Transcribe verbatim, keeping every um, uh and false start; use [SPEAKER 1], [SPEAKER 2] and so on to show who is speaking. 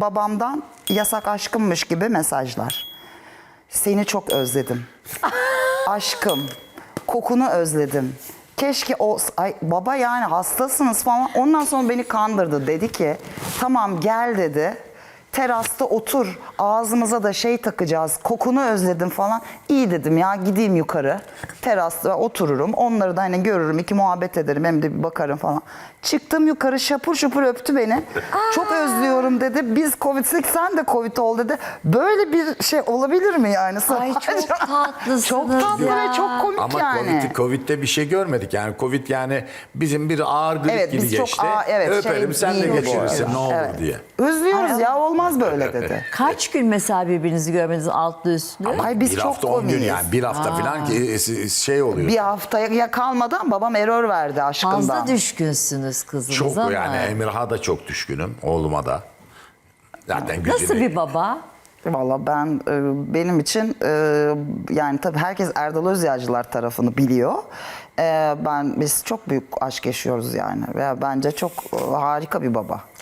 [SPEAKER 1] babamdan yasak aşkımmış gibi mesajlar. Seni çok özledim. Aşkım, kokunu özledim. Keşke o, ay baba yani hastasınız falan. Ondan sonra beni kandırdı. Dedi ki tamam gel dedi. Terasta otur. Ağzımıza da şey takacağız. Kokunu özledim falan. İyi dedim ya gideyim yukarı. Terasta otururum. Onları da hani görürüm. İki muhabbet ederim. Hem de bir bakarım falan. Çıktım yukarı şapur şupur öptü beni. Çok özlüyorum dedi. Biz Covid, sen de Covid ol dedi. Böyle bir şey olabilir mi yani?
[SPEAKER 2] Ay çok tatlısınız
[SPEAKER 1] Çok tatlı
[SPEAKER 2] ya.
[SPEAKER 1] ve çok komik
[SPEAKER 3] Ama
[SPEAKER 1] yani.
[SPEAKER 3] Covid'de Covid'de bir şey görmedik. Yani Covid yani bizim bir ağır grip
[SPEAKER 1] Evet,
[SPEAKER 3] gibi
[SPEAKER 1] biz çok
[SPEAKER 3] geçti.
[SPEAKER 1] ağır- evet,
[SPEAKER 3] Öperim
[SPEAKER 1] şey
[SPEAKER 3] sen de
[SPEAKER 1] değil bu
[SPEAKER 3] geçirirsin
[SPEAKER 1] arada.
[SPEAKER 3] ne olur
[SPEAKER 1] Evet.
[SPEAKER 3] diye.
[SPEAKER 1] Özlüyoruz ya olmaz böyle dedi.
[SPEAKER 2] Kaç gün mesela birbirinizi görmediniz altlı üstlü?
[SPEAKER 1] Ay biz
[SPEAKER 3] bir
[SPEAKER 1] çok
[SPEAKER 3] hafta on gün
[SPEAKER 1] komiyiz.
[SPEAKER 3] yani bir hafta falan ki şey oluyor.
[SPEAKER 1] Bir haftaya kalmadan babam error verdi aşkından.
[SPEAKER 2] Fazla düşkünsünüz kızınıza
[SPEAKER 3] Çok
[SPEAKER 2] ama.
[SPEAKER 3] yani Emirhan'a da çok düşkünüm. Oğluma da. Zaten gücünü...
[SPEAKER 2] Nasıl bir baba?
[SPEAKER 1] Valla ben e, benim için e, yani tabii herkes Erdal Özyağcılar tarafını biliyor. E, ben biz çok büyük aşk yaşıyoruz yani ve bence çok e, harika bir baba.